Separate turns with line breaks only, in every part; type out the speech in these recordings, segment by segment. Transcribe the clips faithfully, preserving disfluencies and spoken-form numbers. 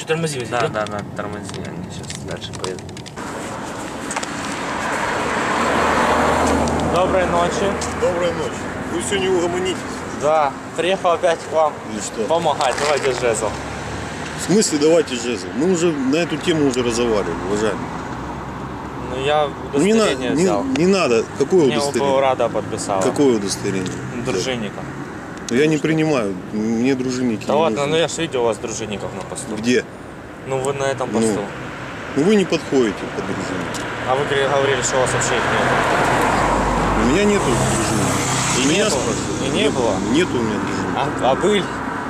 тормози.
Да, да, да, тормози, они сейчас дальше поедут. Доброй ночи.
Доброй ночи. Вы все не угомонитесь?
Да, приехал опять к вам
Или что?
помогать. Давайте жезл.
В смысле давайте жезл? Мы уже на эту тему уже разговаривали, уважаемый.
Ну я
Не, на,
удостоверение
не,
взял.
не надо. Какое
Мне
удостоверение?
Рада подписала.
Какое удостоверение?
Дружинника.
Ну, я не принимаю. Мне дружинники
Да
не
ладно,
нужны.
ну я же видел у вас дружинников на посту.
Где?
Ну вы на этом посту.
Ну, ну вы не подходите под дружинника.
А вы говорили, что у вас вообще их нет.
У меня нету дружинника.
И
У меня
нету?
спрашивают.
И не было?
Нету у меня дружинника.
А, а были?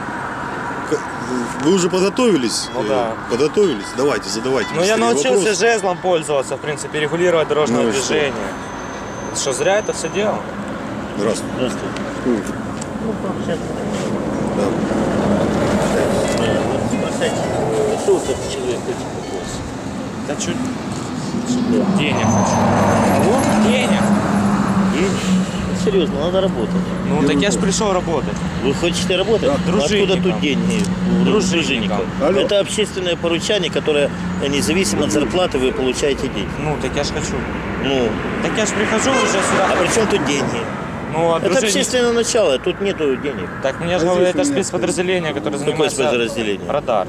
Вы уже подготовились?
Ну да.
Подготовились? Давайте, задавайте.
Ну я
быстрее
научился
вопрос.
жезлом пользоваться, в принципе, регулировать дорожное
Ну и что?
движение. Что? зря это все делал?
Здравствуйте.
Здравствуйте.
Ну,
Ну, пообщаться.
да.
Вот спросите, что вы как человек хочет от вас?
Да чуть. Денег хочу.
Кого?
Денег.
Денег? Ну, серьезно, надо работать.
Ну так я же пришел работать.
Вы хотите работать?
Да,
Ну, откуда
дружинником.
тут деньги? у
Дружинником.
дружинников?
Алло.
Это общественное поручание, которое независимо от зарплаты вы получаете деньги.
Ну так я же хочу.
Ну,
Так я же прихожу уже сюда.
а при чем тут деньги?
Ну а
Это
дружинник-
общественное начало, тут нету денег.
Так мне же говорят, это спецподразделение, которое
Какое
занимается...
спецподразделение?
Радар.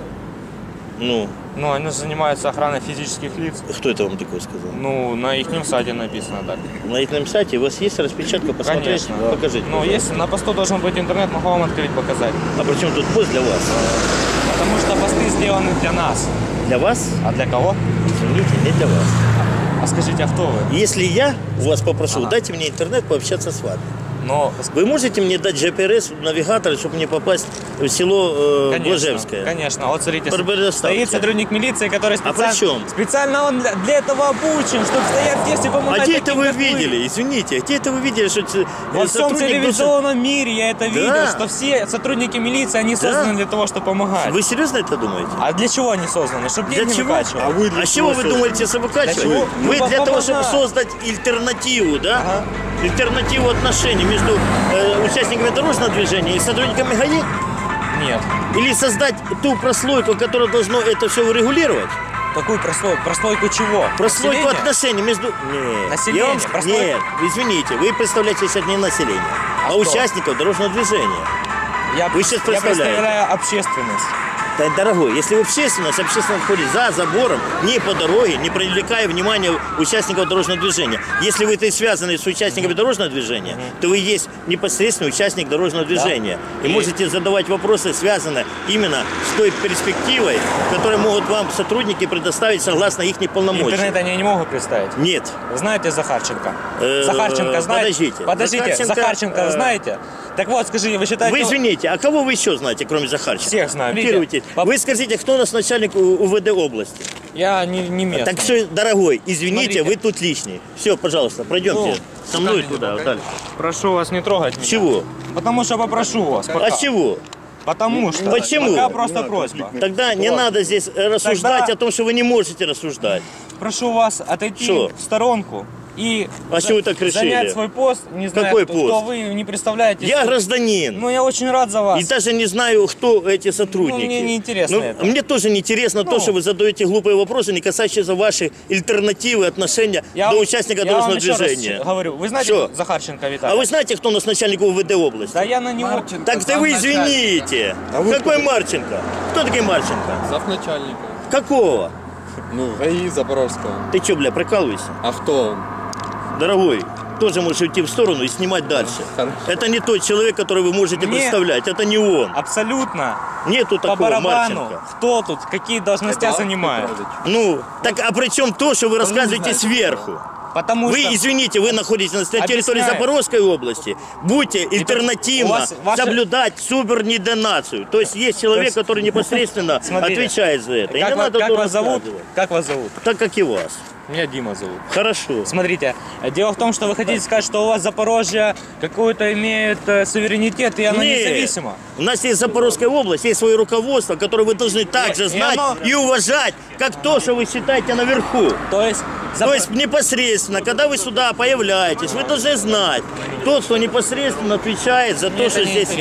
Ну,
Ну, они занимаются охраной физических лиц.
кто это вам такое сказал?
Ну, на их сайте написано так.
На их сайте у вас есть распечатка, посмотреть?
Конечно.
Покажите.
Ну,
пожалуйста.
если на посту должен быть интернет, могу вам открыть, показать.
А при чем тут пост для вас?
Потому что посты сделаны для нас.
Для вас?
А для кого?
Извините, не для вас.
А скажите, а кто вы?
Если я у вас попрошу,
Ага.
дайте мне интернет пообщаться с вами.
Но,
Вы можете мне дать джи пи эс навигатор, чтобы мне попасть в село э,
конечно,
Глажевское?
конечно. Вот смотрите,
Предоставьте.
стоит сотрудник милиции, который
А
специально,
при чем?
специально он для, для этого обучен, чтобы стоять здесь и помогать.
А где это
таким,
вы
как
видели? Извините, где это вы видели, что э,
Во всем
сотрудник должен-
телевизионном мире я это видел,
Да.
что все сотрудники милиции, они созданы для того, чтобы помогать.
Вы серьезно это думаете?
А для чего они созданы? Чтобы
Для
деньги
чего?
выкачивать.
А вы для
А с
чего
чего вы
созданы?
думаете, что выкачивать?
Для чего?
Вы
Ну,
для того,
помогать.
чтобы создать альтернативу, да?
Ага.
Альтернативу отношений между э, участниками дорожного движения и сотрудниками ГАИ?
Нет.
Или создать ту прослойку, которая должна это все урегулировать?
Какую прослойку? Прослойку чего?
Прослойку
Населения?
отношений между... Нет.
Население,
Я вам...
прослойку?
Нет, извините, вы представляете сейчас не население, а,
А кто?
участников дорожного движения.
Я,
Вы сейчас
я
представляете.
представляю общественность.
Да, дорогой, если в общественность, общественность ходит за забором, не по дороге, не привлекая внимания участников дорожного движения. Если вы это связаны с участниками дорожного движения, то вы есть непосредственный участник дорожного движения. И
И-
можете задавать вопросы, связанные именно с той перспективой, которую могут вам сотрудники предоставить согласно их полномочиям.
Интернет они не могут представить.
Нет.
Вы знаете Захарченко?
Э,
Захарченко знаете?
подождите.
Подождите,
Захарченко,
Захарченко,
э,
знаете? Так вот, скажите, вы считаете...
Вы извините, а кого вы еще знаете, кроме Захарченко?
Всех знаю.
Комментируйте.
По-
Вы скажите, кто у нас начальник У- УВД области?
Я не, не местный.
Так что, дорогой, извините,
Смотрите.
вы тут лишний. Все, пожалуйста, пройдемте
Ну,
со мной
скажите,
туда,
пока.
дальше.
Прошу вас не трогать меня.
Чего?
Потому что попрошу вас. Пока.
А чего?
Потому что.
Почему?
Пока просто просьба.
Тогда не надо здесь э, рассуждать
Тогда-
о том, что вы не можете рассуждать.
Прошу вас отойти
Что?
в сторонку и
А
за-
что вы так решили?
занять свой пост. Не знаю,
Какой
кто,
пост?
кто вы, не представляете.
Я гражданин.
Ну, я очень рад за вас.
И даже не знаю, кто эти сотрудники.
Ну, мне не интересно
Ну,
это.
Мне тоже не интересно
Ну.
то, что вы задаете глупые вопросы, не касающиеся вашей альтернативы отношения
Я
до
вам-
участника
я вам
дорожного
еще раз
движения.
говорю, вы знаете
Что?
Захарченко Виталий?
А вы знаете, кто у нас начальник УВД области?
Да я на него...
Так ты вы извините. Какой Марченко? Кто такой Марченко?
Завначальника.
Какого?
Ну, ГАИ Запорожского.
Ты что, бля, прикалываешься?
А кто он?
Дорогой, тоже можешь уйти в сторону и снимать дальше.
Хорошо.
Это не тот человек, который вы можете
Мне-
представлять. Это не он.
Абсолютно.
Нету
По
такого
барабану.
Марченко.
Кто тут? Какие должности
Это
занимает?
Петрович.
Ну, так а при чем то, что вы рассказываете
знаете,
сверху?
Потому
Вы,
что...
извините, вы находитесь на территории
Объясняю.
Запорожской области. Будьте
у
альтернативно
вас ваши-
соблюдать субординацию. То есть есть человек,
есть-
который непосредственно
Смотрите,
отвечает за это. И
Как,
не
ва-
надо
как
то
вас зовут?
рассказывать.
Как вас зовут?
Так, как и вас.
Меня Дима зовут.
Хорошо.
Смотрите, дело в том, что вы хотите сказать, что у вас Запорожье какой-то имеет э, суверенитет, и оно
Нет.
независимо.
У нас есть Запорожская область, есть свое руководство, которое вы должны также
И
знать
оно-
и уважать, как то, что вы считаете наверху.
То есть...
То
Запо-
есть непосредственно, когда вы сюда появляетесь, вы должны знать, тот, кто непосредственно отвечает за
Мне
то,
это
что
не
здесь
интересно.
есть.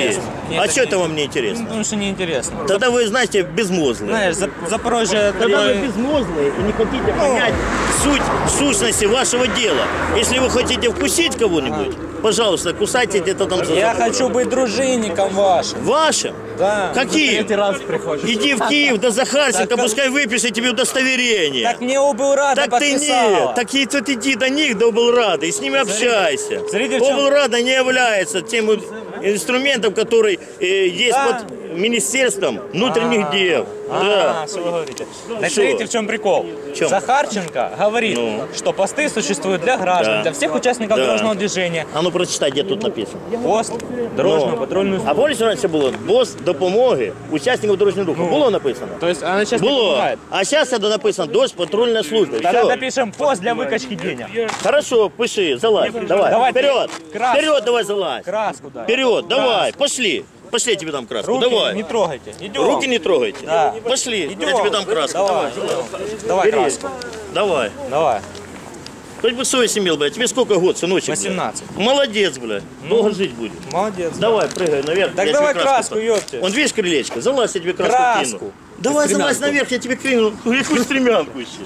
Нет,
А
это
что
не-
это вам не
Ну,
интересно?
потому что неинтересно.
Тогда вы, знаете, безмозглые.
Знаешь, За- Запорожье
Когда вы
такое...
безмозглые и не хотите понять суть сущности вашего дела. Если вы хотите вкусить кого-нибудь, пожалуйста, кусайте где-то там за
Я
забором.
хочу быть дружинником вашим.
Вашим?
Да.
Какие?
раз приходишь.
Иди в Киев до Захарченко,
Так,
пускай выпишет тебе удостоверение.
Так мне облрада
Так ты
подписала.
нет, так и тут иди до них, до облрада, и с ними общайся.
смотрите, в чем-
Облрада не является тем инструментом, который э, есть
Да.
под Министерством внутренних дел.
А,
Да.
что вы говорите? Так
Что?
смотрите, в чем прикол.
чем?
Захарченко говорит,
Ну.
что посты существуют для граждан,
Да.
для всех участников
Да.
дорожного движения.
А ну прочитай, где тут написано.
Пост, дорожную,
Ну.
патрульную
А
службу.
помните, раніше було пост допомоги учасників дорожнього руху? Було написано?
То есть она сейчас не
Було.
помогает.
А зараз це написано дощ патрульна служба.
Тогда
Все.
напишем пост для выкачки денег.
Хорошо, пиши, залазь. Давай.
Давай,
Вперед.
краску.
Вперед давай залазь.
Краску дай.
Вперед, давай, пошли. Пошли, я тебе дам краску.
Руки
Давай.
не трогайте. Идем.
Руки не трогайте.
Да.
Пошли,
Идем.
я тебе дам краску.
Давай. Давай
Бери.
краску.
Давай.
Давай.
Хоть бы совесть имел, блядь. Тебе сколько год, сыночек? блядь?
восемнадцать.
Молодец, блядь. Долго жить будешь.
Молодец.
Давай, прыгай наверх.
Так
я
давай
тебе
краску,
дам.
ёпте.
Вон, видишь крылечко? Залазь, я тебе краску,
Краску.
кину. Давай, залазь наверх, я тебе кину. Какую стремянку еще.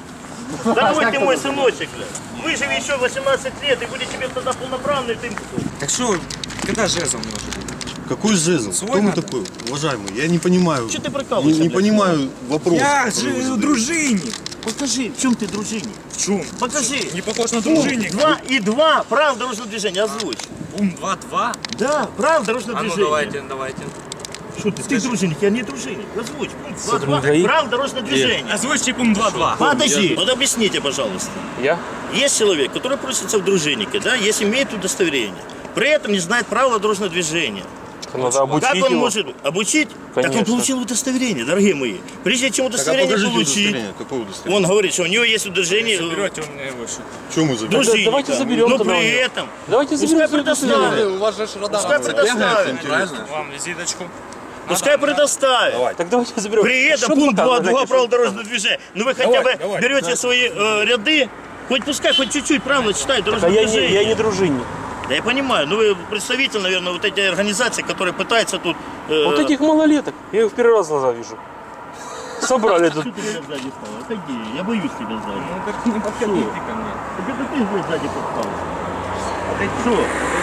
Дорогой ты мой сыночек, блядь. Выживи еще восемнадцать лет, и будет тебе тогда полноправный ты.
Так что, когда жезл нужен?
Какой жезл?
Свой
Кто мы
надо?
такой, уважаемый? Я не понимаю.
Что ты
Не,
прикалываешься,
не
блядь?
понимаю вопрос.
Я
который вы
же
задаете.
дружинник.
Покажи, в чем ты дружинник?
В чем?
Покажи.
Не похож на
Пункт
дружинник.
два и два, правила дорожного движения, озвучь.
Ум два-два.
Да, правила дорожного
А ну
движения.
давайте, давайте.
Что ты, ты дружинник, я не дружинник. Озвучь. Пункт два, два,
ГАИ?
правила дорожного движения.
Озвучьте пункт два-два.
Подожди, вот объясните, пожалуйста.
Я?
Есть человек, который просится в дружиннике, да, если имеет удостоверение, при этом не знает правила дорожного движения.
Надо обучить
Как он
его.
может обучить? Так он
Конечно.
получил удостоверение, дорогие мои. Прежде чем
Так, а
удостоверение
покажите
получить,
удостоверение. Какое удостоверение?
он говорит, что у него есть удостоверение
Берете у меня выше.
Что мы заберем?
дружинника.
давайте заберем
Но
тогда у
при
него.
этом
Давайте
пускай
заберем
предоставит.
У вас же ж радар.
Пускай предоставит.
Вам визиточку.
Пускай предоставит.
Так давайте заберем.
При этом
Что
пункт
там
два,
показывать?
два правил дорожного движения. Ну вы хотя бы
давай.
берете свои э, ряды, хоть пускай хоть чуть-чуть правила читают
А
дорожное
я не,
движение.
я не дружинник.
Да я понимаю, ну вы представитель, наверное, вот эти организации, которые пытаются тут... э,
Вот этих малолеток. Я их в первый раз глаза вижу. Собрали тут.
Что ты меня сзади стал? Отойди, я боюсь тебя сзади.
Ну так не подходите ко мне.
Так это ты, блядь, сзади подстал. А ты что?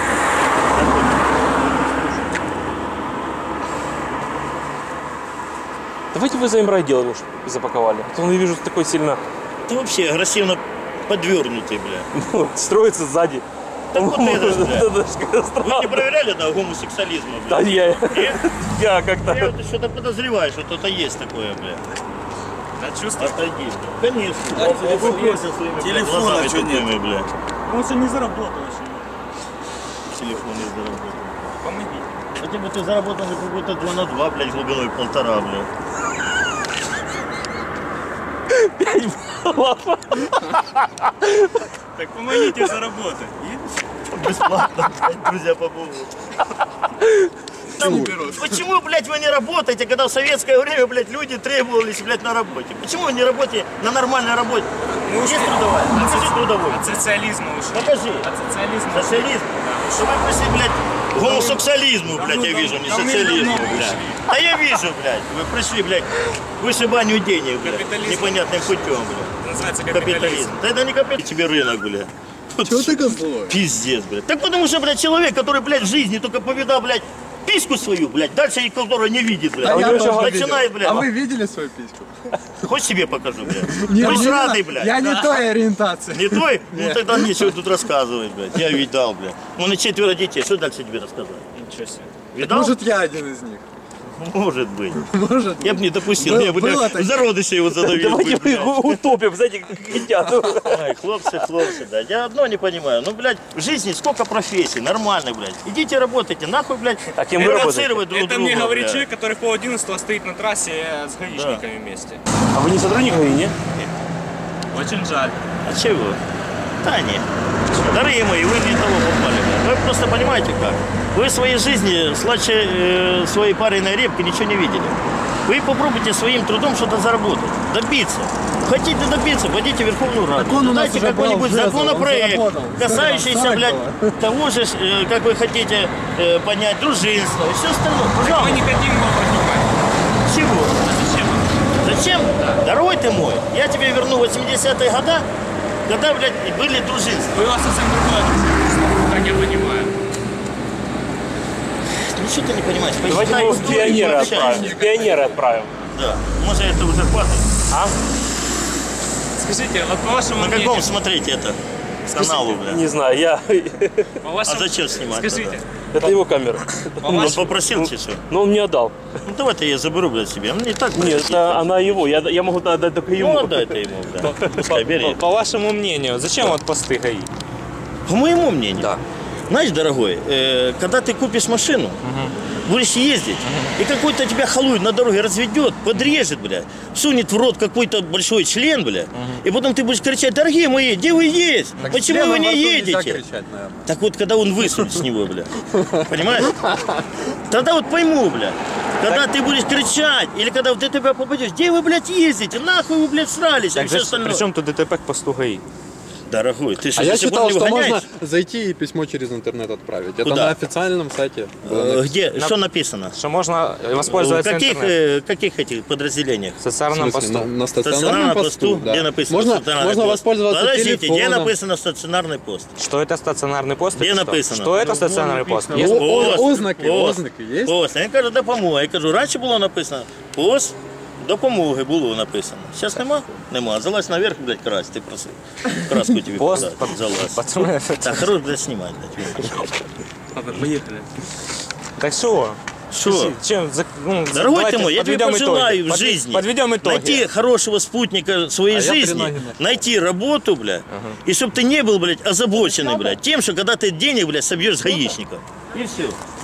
Давайте вы за имрайделом уж запаковали. А то я вижу такой сильно
Ты вообще агрессивно подвернутый, бля.
ну, строится сзади.
Так вот это ж, бля.
Это ж как-то
Вы
странно.
не проверяли на гомосексуализм,
Да
бля?
я,
Нет?
я как-то...
Я вот что-то подозреваю, что что-то есть такое, бля.
Да чувствую.
Отойди, бля. Конечно. Телефон есть. Своими,
Телефона
глазами
чё нет?
тупыми, бля.
Он еще не заработал еще.
Телефон не заработал.
Помогите.
Хотя бы ты заработал на какой-то два на два, блядь, глубиной полтора, блядь.
Так помогите заработать.
Бесплатно, блядь, друзья помогут. Там, почему, блядь, вы не работаете, когда в советское время, блядь, люди требовались, блядь, на работе? Почему вы не работаете на нормальной работе?
Мы
Есть
ушли.
трудовая?
От
Покажи
соци-
трудовой.
От социализма ушли.
Покажи.
От социализма.
Социализм. Что вы пришли, блядь, к гомосексуализму, блядь, я вижу, не социализму, блядь. А я вижу, блядь, вы пришли, блядь, к вышибанию денег, блядь,
Капитализм.
непонятным путем, блядь.
Называется капитализм.
Капитализм. Да это не капитализм, тебе рынок, блядь.
Чего ты козлой?
Пиздец, блядь. Так потому что, блядь, человек, который, блядь, в жизни только повидал, блядь, письку свою, блядь, дальше и которую не видит, блядь.
Да я
Он
тоже
начинает, блядь.
А вы видели свою письку?
Хоть себе покажу, блядь.
Не,
Хоть
не
сраный,
надо.
блядь.
Я не той ориентации.
Не твой? Ну тогда нечего тут рассказывать, блядь. Я видал, блядь. Он и четверо детей. Что дальше тебе рассказать?
Ничего себе.
Видал?
Может, я один из них.
Может быть.
Может.
Я бы не допустил.
Был-
Я бы
было
блядь,
такое.
в зародыше его задавил.
Давайте
бы,
мы
блядь.
его утопим, знаете, как хотят.
Ай, хлопцы, хлопцы, да. Я одно не понимаю. Ну, блядь, в жизни сколько профессий нормальных, блядь. Идите работайте, нахуй, блядь.
А кем вы
провоцировать друг
Это
друга,
мне говорит
блядь.
человек, который в пол одиннадцатого стоит на трассе с гаишниками вместе.
А вы не сотрудник ГАИ, не?
Очень жаль.
А чего? Да нет. Дорогие мои, вы не того попали. Вы просто понимаете как? Вы в своей жизни слаще э, своей пареной репки ничего не видели. Вы попробуйте своим трудом что-то заработать, добиться. Хотите добиться, пойдите в Верховную Раду.
он у нас
Дайте
уже
какой-нибудь
был,
законопроект,
он заработал.
касающийся, блядь, того же, э, как вы хотите э, поднять дружинство и все остальное. Пожалуйста.
Мы не хотим его поднимать.
Чего?
Зачем?
Зачем? Дорогой ты мой, я тебе верну восьмидесятые годы, когда, блядь, были дружинства.
У вас совсем другое дружинство, как я понимаю.
Ничего ты не понимаешь.
Давайте мы его в
Почитай
пионеры
историю,
отправим. В пионеры отправим.
Да. Может, это уже хватит?
А?
Скажите, вот по вашему
На
мнению...
каком смотрите это? Каналу, бля.
Не знаю, я...
По
А
вашему...
зачем снимать?
Скажите,
Это его камера.
по
Он
вашему...
попросил тебе что?
Но он мне отдал.
Ну давай-то я заберу, блядь, себе. Мне и так, блядь,
Нет, это она его. Я, я могу отдать только ему.
Ну, отдай ты ему, да. Пускай бери.
По вашему мнению, зачем вот посты ГАИ?
По моему мнению.
Да.
Знаешь, дорогой, э, когда ты купишь машину, будешь ездить, и какой-то тебя халуй на дороге разведет, подрежет, бля, сунет в рот какой-то большой член, бля, и потом ты будешь кричать: дорогие мои, где вы есть?
Так
Почему
членом
вы не
во рту нельзя
едете?
кричать, наверное.
Так вот, когда он высунет с него, бля, понимаешь? Тогда вот пойму, бля, когда ты будешь кричать, или когда вот ты тебя попадешь: где вы, блядь, ездите? Нахуй вы, блядь, срались, и все остальное.
Причем тут ДТП к посту ГАИ?
Дорогой, ты что,
А
до
я
сих пор
читал,
не
что
выгоняешь?
можно зайти и письмо через интернет отправить. Это
Куда?
на официальном сайте.
Э, Где? Что написано?
Что можно
В
воспользоваться
каких,
интернетом.
э, каких этих подразделениях?
В
В
социальном
смысле,
посту.
на, на
В
стационарном посту, да.
где написано
Можно,
стационарный
можно
пост?
воспользоваться
Подождите, где
телефоном.
написано стационарный пост?
Что это стационарный пост?
Где
или что?
написано?
Что это стационарный пост?
Ну,
Есть-
о-
Пост,
ознаки,
пост,
ознаки есть?
Пост. Я кажу, допомога. Я кажу, раніше було написано пост допомоги було написано. Зараз нема? Нема. Залазь наверх, блядь, красть. Ти просив. Краску тобі
Пост,
подати.
пацаны,
Залазь.
пацаны.
Так, хорош, блядь, знімай, блядь.
Ладно, поехали. Так что?
Что?
Чем, за- ну,
Дорогой
давайте
ты мой, я тебе
подведем
пожелаю
итоги.
в
Подве-
жизни
Подведем итоги.
найти хорошего спутника своей
А я
жизни,
три ноги на-
найти работу, бля, и чтобы ты не был, блядь, озабоченный, блядь, тем, что когда ты денег, блядь, собьешь с гаишников. И все.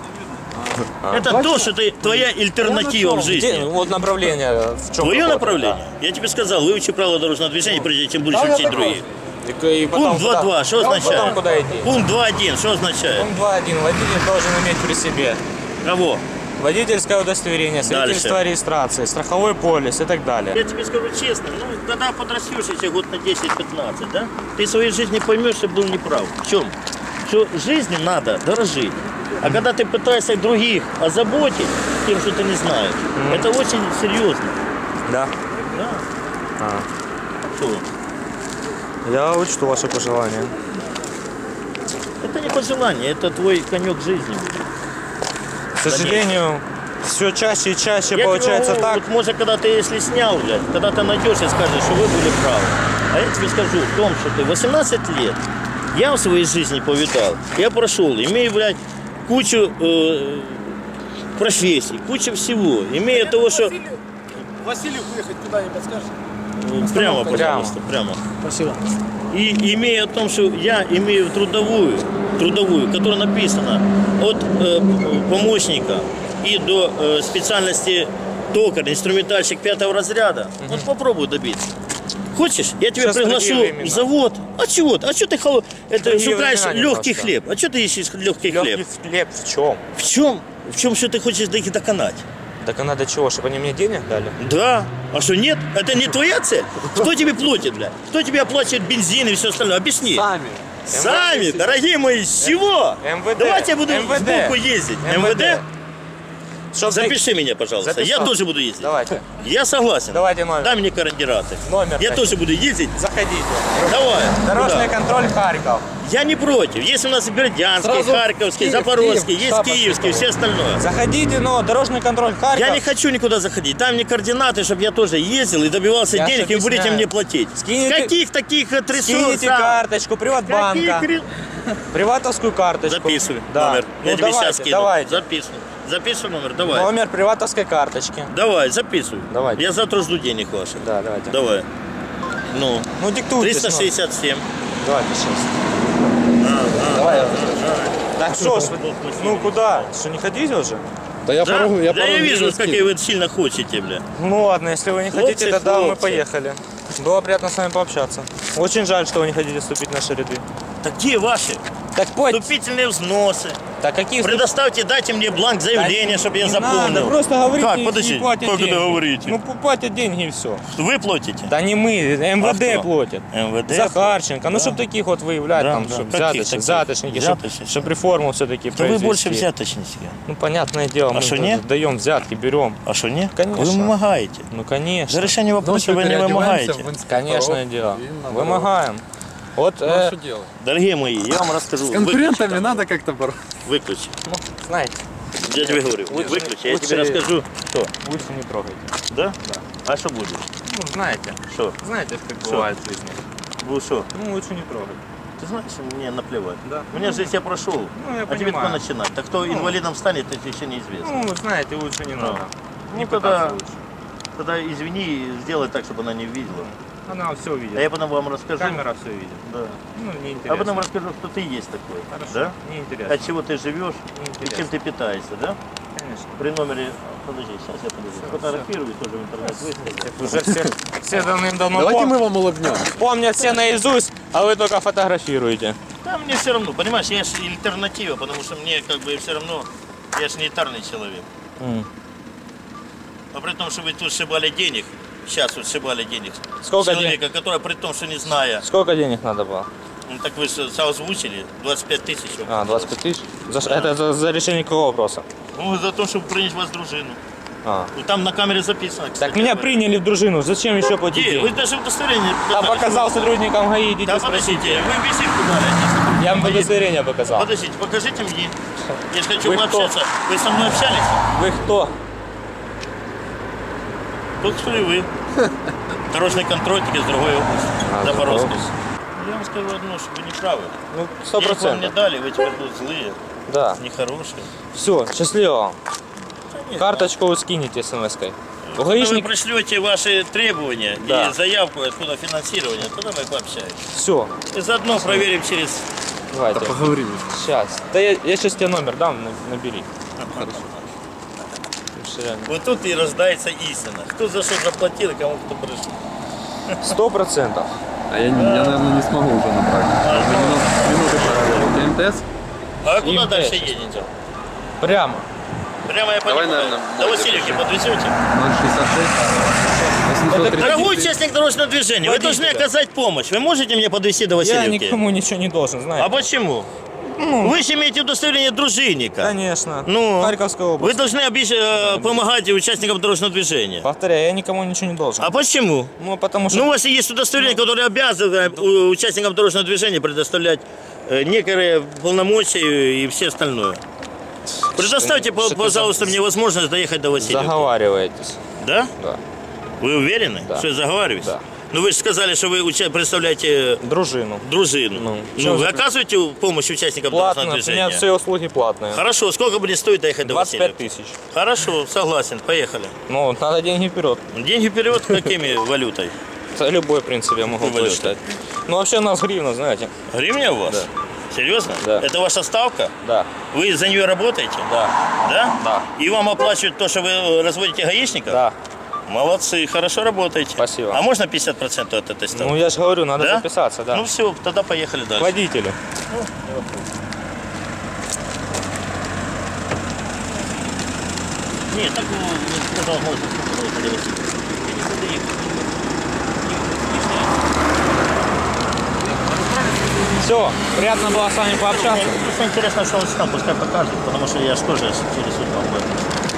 Это то, что ты, твоя альтернатива в
Где,
жизни.
вот направление в чем?
Твое
работа,
направление. Я тебе сказал, выучи правила дорожного движения, прежде чем будешь учить другие.
да. И, и потом
Пункт два
куда-
два, что
Потом
означает?
куда идти?
Пункт два один, что означает?
Пункт два один. Водитель должен иметь при себе
Кого?
водительское удостоверение, свидетельство
Дальше.
о регистрации, страховой полис и так далее.
Я тебе скажу честно, ну, когда подрастешь еще год на десять-пятнадцать, да, ты в своей жизни поймешь, что был неправ. В чем? Что жизни надо дорожить. А когда ты пытаешься других озаботить тем, что ты не знаешь, это очень серьезно.
Да.
Да.
А.
Что?
Я учту ваши пожелания.
Это не пожелание, это твой конек жизни.
К сожалению, все чаще и чаще
Я
получается
тебе,
так.
Вот, может, когда ты если снял, блядь, когда ты найдешь и скажешь, что вы были правы. А я тебе скажу в том, что ты восемнадцать лет, я в своей жизни повидал, я прошел, имею, блядь, кучу э, профессий, кучу всего, имея того, что...
Василию выехать куда не подскажешь?
Прямо, пожалуйста, прямо.
Спасибо.
И имея о том, что я имею трудовую, трудовую, которая написана от э, помощника и до э, специальности токарь, инструментальщик пятого разряда, вот попробуй добиться. Хочешь, я тебя
Сейчас
приглашу
другие
в
времена.
завод. А чего? А что ты холо... это
Другие
шукаешь
времена
легкий
немножко.
хлеб? А что ты ищешь легкий хлеб?
Легкий хлеб в чем?
В чем? В чем что ты хочешь до их доконать?
Так а надо чего, чтобы они мне денег дали?
Да. А что нет? Это не твоя цель? Кто тебе платит, бля? Кто тебе оплачивает бензин и все остальное? Объясни.
Сами.
Сами, дорогие мои, с чего?
МВД.
Давайте я буду
МВД.
сбоку ездить. МВД?
Чтоб
Запиши меня, пожалуйста.
Запишу.
Я тоже буду ездить.
Давайте.
Я согласен.
Давайте номер.
Дай мне координаты.
Номер
Я
дайте.
тоже буду ездить.
Заходите.
Давай.
Дорожный
Куда?
контроль Харьков.
Я не против. Есть у нас и Бердянский,
Сразу
Харьковский,
Киев,
Запорожский,
Киев,
есть
штаб
Киевский,
Ашотова.
все остальное.
Заходите, но дорожный контроль Харьков.
Я не хочу никуда заходить. Дай мне координаты, чтобы я тоже ездил и добивался
Я ж
денег, и вы будете
объясняю.
мне платить.
Скинете-
Каких таких э, трясов?
Скинете
сам?
карточку Приватбанка.
Каких ре-
Приватовскую карточку.
Записывай
Да.
номер.
Ну,
Я тебе
давайте,
сейчас скину.
давайте.
Записывай. Записывай номер, давай.
Номер приватовской карточки.
Давай, записывай.
Давайте.
Я завтра жду денег ваших.
Да, давайте.
Давай. Ну,
Ну, диктуйте.
триста шестьдесят семь.
Давайте сейчас. Давай. я уже. Так что ж, вы- ну куда? Что, не хотите уже?
Да я
Да,
порогу, я
да я
порогу
вижу,
вижу
как вы сильно хотите, бля.
Ну ладно, если вы не
Хлопцы,
хотите, тогда мы
хлопцы.
поехали. Было приятно с вами пообщаться. Очень жаль, что вы не хотите вступить в наши ряды.
Так где ваши?
Так пойте.
Вступительные взносы.
Так какие
Предоставьте, дайте мне бланк заявления, чтобы я
не
заполнил.
надо, просто говорите,
Как?
и
Подождите,
платят
как
деньги.
это говорите?
Ну, платят деньги и все.
Вы платите?
Да не мы, МВД
А кто?
платят.
МВД?
Захарченко. Ну,
Да.
чтобы таких вот выявлять,
Да,
там,
да.
чтобы
Каких
взяточники,
таких?
взяточники, чтобы,
Взяточники.
чтобы реформу все-таки
Да вы больше
произвести.
взяточники.
Ну, понятное дело,
А
мы
что,
же
нет?
даем взятки, берем.
А что, нет?
Конечно.
Вы вымогаете.
Ну, конечно.
За решение вопроса вы не вымогаете.
Конечно дело. Вымогаем. Вот,
Ну,
э,
что делать?
Дорогие мои, я вам расскажу.
С конкурентами
Выключи,
надо как-то бороться.
Выключи.
ну, знаете,
Я тебе говорю,
Лучше-
выключи, я
лучше-
тебе расскажу. Что?
лучше не трогайте.
Да? А что будешь?
Ну, знаете.
Что?
Знаете, как
Что?
бывает в жизни.
Будешь что?
Ну, лучше не трогать.
Ты знаешь, мне наплевать.
Да.
Меня жизнь я прошел.
Ну, я
а тебе
понимаю.
только начинать. Так кто инвалидом станет, это еще неизвестно.
Ну, знаете, лучше не надо. Не
Ну, тогда,
пытаться лучше.
тогда извини, сделай так, чтобы она не видела.
Она все видит.
А я потом вам расскажу.
Камера все видит.
Да.
Ну,
А
неинтересно.
потом расскажу, что ты есть такой.
Хорошо.
Да?
Неинтересно.
От чего ты живешь и
Неинтересно.
чем ты питаешься, да?
Конечно.
При номере... Подожди, сейчас я подожди. Фотографирую, тоже в интернет выставлю.
Уже все, все давным-давно
Давайте
пом-
мы вам улыбнем.
помнят все наизусть, а вы только фотографируете.
Да, мне все равно, понимаешь, я же альтернатива, потому что мне как бы все равно, я же не элитарный человек.
М.
А при том, что вы тут сшибали денег, сейчас вот сшибали денег.
Сколько
человека, который при том, что не зная,
Сколько денег надо было?
ну так вы же озвучили, двадцать пять тысяч.
А, двадцать пять тысяч? За, ш- это за, за решение какого вопроса?
Ну, за то, чтобы принять вас в дружину.
А.
Ну, там на камере записано, кстати.
Так меня
говоря.
приняли в дружину, зачем еще платить
Где?
деньги?
Вы даже удостоверение
Я
показали.
показал сотрудникам ГАИ, идите
Да
спросите.
подождите, вы визитку дали.
Я вам удостоверение показал.
Подождите, покажите мне. Я же хочу
Вы кто?
пообщаться. Вы со мной общались?
Вы кто?
Тут кто и вы. Дорожный контроль, только с другой области.
А,
Запорожской.
с другой
Я вам скажу одно, что вы не правы.
Ну, сто
Денег вам не
процентов.
дали, вы теперь тут злые,
Да.
нехорошие.
Все, счастливо вам.
Нет,
Карточку вы скинете смс-кой. У
Когда вы
гаишник...
пришлете ваши требования
Да.
и заявку, откуда финансирование, тогда мы пообщаемся.
Все,
И заодно проверим через...
давайте.
Поговорили.
Сейчас. Да я, я сейчас тебе номер дам, на- набери. Хорошо.
Вот тут и рождается истина. Кто за что заплатил и кому кто пришел.
Сто процентов.
А я, не- я, наверное, не смогу уже набрать. Вы минут- минуты проверили. МТС?
А вы куда
Им
дальше
пять.
едете?
Прямо.
Прямо я
Давай,
понимаю.
наверное,
До
мой
Васильевки подвезете?
ноль шестьдесят шесть. восемьсот тридцать
Дорогой
три.
участник дорожного движения, вы должны
Водителя.
оказать помощь. Вы можете мне подвезти до
Я
Васильевки?
никому ничего не должен, знаете.
А почему? Вы же имеете удостоверение дружинника.
Конечно.
Ну,
Харьковская
вы
область.
должны обещ- э, помогать участникам дорожного движения.
Повторяю, я никому ничего не должен.
А почему?
Ну, потому что...
Ну, у вас есть удостоверение, которое обязывает э, участникам дорожного движения предоставлять э, некоторые полномочия и все остальное. Предоставьте,
Что- что
пожалуйста,
ты
мне возможность доехать до Васильевки.
Заговариваетесь.
Да?
Да.
Вы уверены,
Да.
что я заговариваюсь?
Да.
Ну, вы же сказали, что вы уча- представляете
Дружину.
дружину.
Ну,
Ну,
чем
вы
же-
оказываете помощь участникам
Платно.
дорожного
У меня
движения?
все услуги платные.
Хорошо, сколько будет стоить доехать до
двадцать пять
Васильевки?
тысяч.
Хорошо, согласен, поехали.
Ну, надо деньги вперед.
Деньги вперед, какими валютой?
Это любой, в принципе, я могу
Какой
посчитать. Ну, вообще у нас гривна, знаете.
Гривня у вас? Серьезно?
Да.
Это ваша ставка?
Да.
Вы за нее работаете?
Да.
Да?
Да.
И вам оплачивают то, что вы разводите гаишников?
Да.
Молодцы, хорошо работаете.
Спасибо.
А можно пятьдесят процентов от этой ставки?
Ну, я же говорю, надо
Да?
записаться, да.
Ну все, тогда поехали
К
дальше.
водителю.
Нет, так ну, не сказал, можно сколько было ходить. Я не буду ехать.
Все, приятно было с вами пообщаться.
Мне просто интересно, что он сам, пускай покажет, потому что я же тоже через суд вам буду.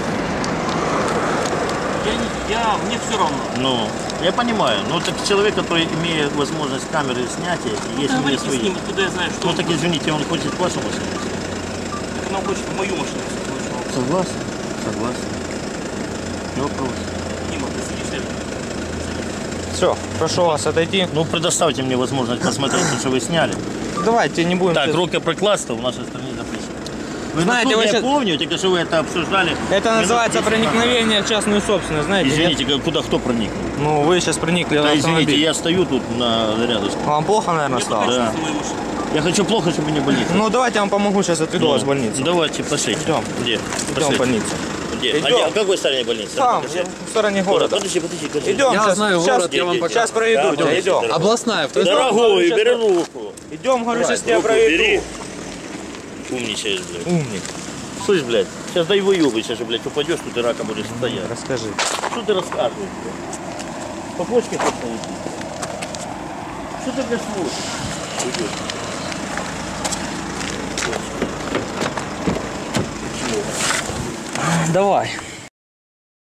Я, не- я, мне все равно.
Ну, я понимаю, ну так человек, который имеет возможность камеры снятия, и есть у него
Говорите с
свои.
ним, откуда я знаю, что
Ну так извините, он хочет вашу машину.
так она хочет в мою машину.
Согласен, согласен. Не вопрос.
Дима, ты сидишь рядом.
Все, прошу вас отойти.
Ну предоставьте мне возможность посмотреть, что вы сняли.
Давайте не будем...
Так, рукоприкладство в нашей стране запрещено. Вы
Знаете,
насколько
вы
я
щас-
помню, только что вы это обсуждали.
Это
минут
называется
десять назад.
проникновение в частную собственность, знаете? нет?
Извините, как- куда кто проникнул?
Ну, вы сейчас проникли в
Да, извините,
автомобиль.
я стою тут на рядышком.
Вам плохо, наверное,
Мне
стало?
покажи
Да.
на мою машину.
Я хочу плохо, чтобы не болеть.
Ну, давайте я вам помогу, сейчас отведу вас в больницу.
Давайте, пошли.
Идем.
Где?
Идем в
Пошли.
больницу.
Где? А
Идем.
где? В какой стороне больницы?
Там,
Покажи.
в стороне города.
Подожди, подожди, подожди.
Идем,
Я
сейчас,
знаю
сейчас,
город, я вам
сейчас
покажу.
проведу
Да,
тебя, идем.
дорогой.
Областная, в той стороне.
Дорогой,
сейчас-
бери руку.
Идем, говорю, сейчас тебя
Руку
проведу.
бери. Умничаешь, блядь.
Умник.
Слышь, блядь, сейчас дай выебайся же, блядь, упадешь, тут и раком будешь стоять.
Расскажи.
Что ты рассказываешь, блядь? По почке хочешь найти? Что ты, блядь, смотришь? Уйдешь.
Давай.